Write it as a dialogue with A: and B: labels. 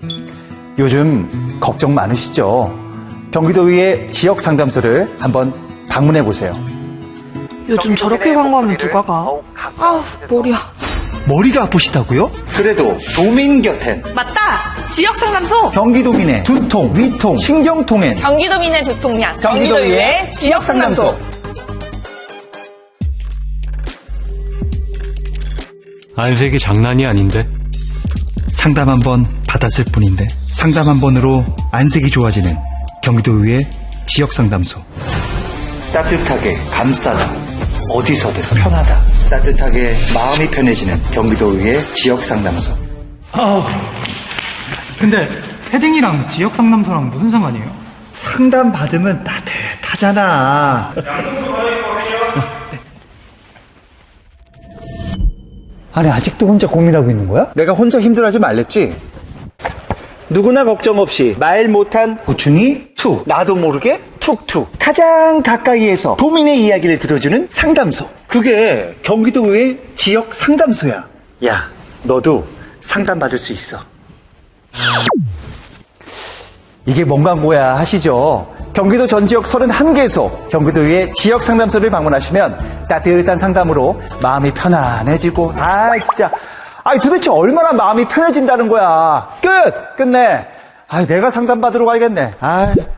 A: 요즘 걱정 많으시죠? 경기도의회 지역상담소를 한번 방문해보세요.
B: 요즘 저렇게 광고하면 누가 가? 아우, 머리야.
A: 머리가 아프시다고요? 그래도 도민 곁엔
B: 맞다! 지역상담소!
A: 경기도민의 두통, 위통, 신경통엔
B: 경기도민의 두통약.
A: 경기도의회 지역상담소.
C: 안색이 장난이 아닌데.
A: 상담 한 번 받았을 뿐인데 상담 한 번으로 안색이 좋아지는 경기도의회 지역상담소. 따뜻하게 감싸다. 어디서든 편하다. 따뜻하게 마음이 편해지는 경기도의회 지역상담소.
D: 근데 패딩이랑 지역 상담소랑 무슨 상관이에요?
A: 상담 받으면 따뜻하잖아. 아니 아직도 혼자 고민하고 있는 거야? 내가 혼자 힘들어하지 말랬지? 누구나 걱정 없이 말 못한 고충이 툭, 나도 모르게 툭툭 가장 가까이에서 도민의 이야기를 들어주는 상담소. 그게 경기도의회 지역 상담소야. 야, 너도 상담받을 수 있어. 이게 뭔 광고야 하시죠? 경기도 전 지역 31개소 경기도의회 지역 상담소를 방문하시면 따뜻한 상담으로 마음이 편안해지고, 진짜 도대체 얼마나 마음이 편해진다는 거야. 끝내. 내가 상담받으러 가야겠네.